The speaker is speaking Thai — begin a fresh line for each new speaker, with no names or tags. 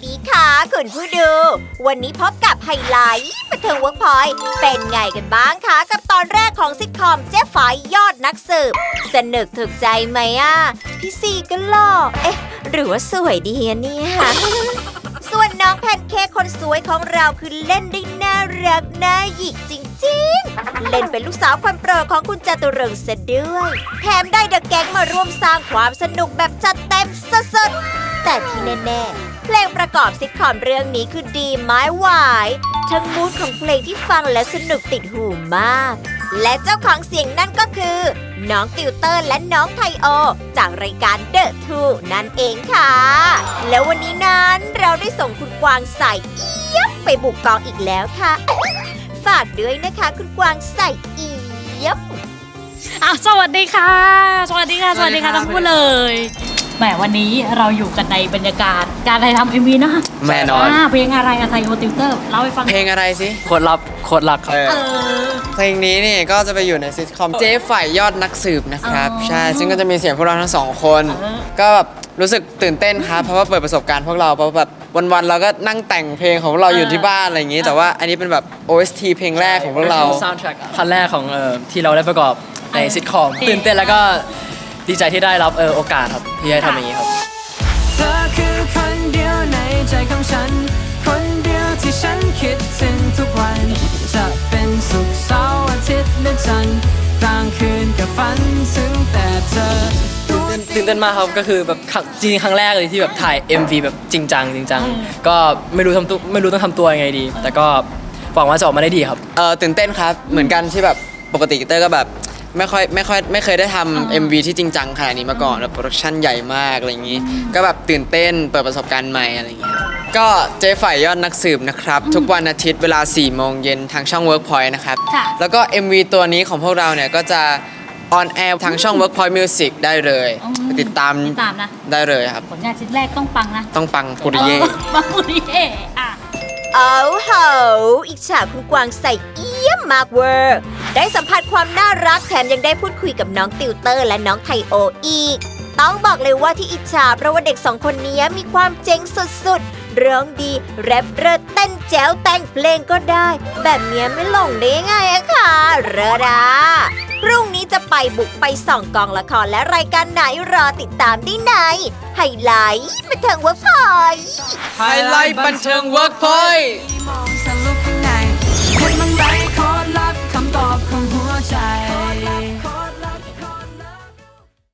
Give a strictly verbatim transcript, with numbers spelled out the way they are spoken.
ดีค่ะคุณผู้ดูวันนี้พบกับไฮไลท์บันเทิงเวิร์กพอยต์เป็นไงกันบ้างคะกับตอนแรกของซิทคอมเจ๊ฝายยอดนักสืบสนุกถูกใจไหมอ่ะพี่ซีก็หล่อเอ๊ะหรือว่าสวยดีอะเนี่ย ส่วนน้องแพนเค้กคนสวยของเราคือเล่นได้น่ารักน่าหยิกจริงๆเล่นเป็นลูกสาวคนโปรดของคุณจตุรงค์ซะด้วยแถมได้เดอะแก๊งมาร่วมสร้างความสนุกแบบจัดเต็มสุดๆแต่ที่แน่ๆเพลงประกอบซิทคอมเรื่องนี้คือดีไม้หวายทั้งมูดของเพลงที่ฟังแล้วสนุกติดหูมากและเจ้าของเสียงนั่นก็คือน้องติวเตอร์และน้องไทโอจากรายการเดอะทูนั่นเองค่ะแล้ววันนี้นั้นเราได้ส่งคุณกวางใส่เอี๊ยบไปบุกกองอีกแล้วค่ะฝากด้วยนะคะคุณกวางใส่เอี๊ยบ
อ่ะสวัสดีค่ะสวัสดีค่ะสวัสดีค่ะทั้งคู่เลยแหมวันนี้เราอยู่กันในบรรยากาศการถ่ายทำเอ็มวีนะ
แน่นอน
เพลงอะไรอะไทโอติวเตอร์เล่าให้ฟัง
เพลงอะไรสิโคตรลับโคตรลักครับ
เออ
เพลงนี้นี่ก็จะไปอยู่ในซิทคอมเจ๊ฝ่ายยอดนักสืบนะครับ
อ๋อ
ใช่ซึ่งก็จะมีเสียงพวกเราทั้งสองคน
เออ
ก็แบบรู้สึกตื่นเต้นครับเพราะว่าเปิดประสบการณ์พวกเราเพราะแบบวันๆเราก็นั่งแต่งเพลงของพวกเราอยู่ที่บ้านอะไรอย่างนี้ แต่ว่าอันนี้เป็นแบบ โอ เอส ที เพลงแรกของพวกเรา
ซาวด์แทร็กคันแรกของเอ่อที่เราได้ประกอบในซิทคอมตื่นเต้นแล้วก็ดีใจที่ได้รับเออโอกาสครับที่ได้ทำอย่างนี้ครับ
เธอคือคนเดียวในใจของฉันคนเดียวที่ฉันคิดถึงทุกวันจะเป็นศุกร์เสาร์อาทิตย์และจันทร์กลางคืนก็ฝันถึงแต่เธอ
ตื่นเต้นมากครับก็คือแบบครั้งจริงๆครั้งแรกเลยที่แบบถ่าย เอ็ม วี แบบจริงจังจริงจังก็ไม่รู้ทำตัวไม่รู้ต้องทำตัวยังไงดี แต่ก็หวังว่าจะออกมาได้ดีครับ
เออตื่นเต้นครับเหมือนกันที่แบบปกติเตอร์ก็แบบไม่ค่อยไม่ค่อยไม่เคยได้ทำ เอ็ม วี ที่จริงจังขนาดนี้มาก่อนแบบโปรดักชั่นใหญ่มากอะไรอย่างนี้ ก็แบบตื่นเต้นเปิดประสบการณ์ใหม่อะไรอย่างเงี้ยก็เจ๊ฝ่ายยอดนักสืบนะครับทุกวันอาทิตย์เวลาสี่โมงเย็นทางช่อง Workpoint นะครับ
ค่ะ
แล้วก็ เอ็ม วี ตัวนี้ของพวกเราเนี่ยก็จะออนแอร์ทางช่อง Workpoint Music ได้เลยไปติดตาม
ติดตามนะ
ได้เลยครับ
ผลงานชิ้นแรกต้องปังนะ
ต้องปังปุริเย่
ออปังปุริเย่อ่ะ
เอาโหอิจฉาคุณกวางใส่เอี้ยมมากเวอร์ได้สัมผัสความน่ารักแถมยังได้พูดคุยกับน้องติวเตอร์และน้องไทโออีก ต้องบอกเลยว่าที่อิจฉาเพราะว่าเด็กสองคนนี้มีความเจ๋งสุดๆร้องดีแรปเรดเต้นแจ๋วแต่งเพลงก็ได้ แบบเนี้ยไม่หลงได้ยังไงอะค่ะเรอดาพรุ่งนี้จะไปบุกไปส่องกองละครและรายการไหนรอติดตามได้ในไฮไลท์บันเทิงเวิร์กพอยต์
ไฮไลท์บันเทิง Workpoint